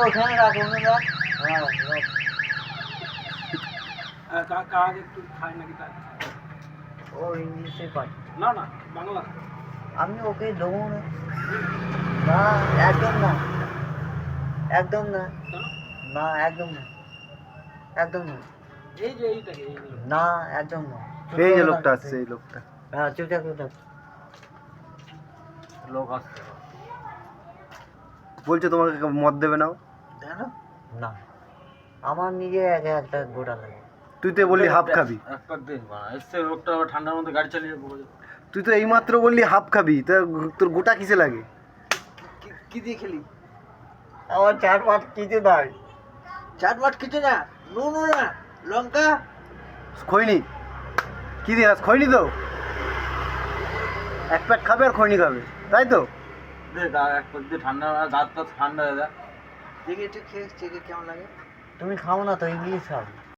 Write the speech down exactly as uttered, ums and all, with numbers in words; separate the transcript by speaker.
Speaker 1: ওখানে রাখ ওখানে রাখ হ্যাঁ রাখ
Speaker 2: কাজ একটু খায় নাকি তার
Speaker 1: ও ইংলিশে পাই
Speaker 2: না না বাংলা
Speaker 1: আমি ওকে দেবো না না একদম না একদম না
Speaker 2: কেন?
Speaker 1: না একদম না একদম না
Speaker 2: এই যে এইটাকে এই যে
Speaker 1: না একদম না
Speaker 3: এই যে লোকটা আসছে এই লোকটা
Speaker 1: হ্যাঁ চুপচাপ চুপচাপ
Speaker 2: লোক আসছে
Speaker 3: বলছে তোমাকে মদ দেবে না ও?
Speaker 2: দেখো
Speaker 1: না আমার নিজে একা একটা গোটা লাগে
Speaker 3: তুই তো বললি হাফ খাবি
Speaker 2: এক পাক দিন বানা এসছে লোকটা আবার ঠান্ডার মধ্যে গাড়ি চালিয়ে যাবো
Speaker 3: তুই তো এইমাত্র বললি হাফ খাবি তা তোর গোটা কিসে লাগে
Speaker 2: কি দিয়ে খেলি
Speaker 1: আমার চার পাঁচ কিছু নয়
Speaker 2: চাট মাট কিছু না নুন না লঙ্কা
Speaker 3: খৈনি কি দিয়ে আস খৈনি তো এক প্যাক খাবে আর খৈনি খাবে তাই তো
Speaker 2: দে গা এক পাক দিয়ে ঠান্ডা দাঁত টাত ঠান্ডা হয়ে যায় দেখি একটু খেয়ে চেকে কেমন লাগে
Speaker 1: তুমি খাও না তো ইংলিশ খাও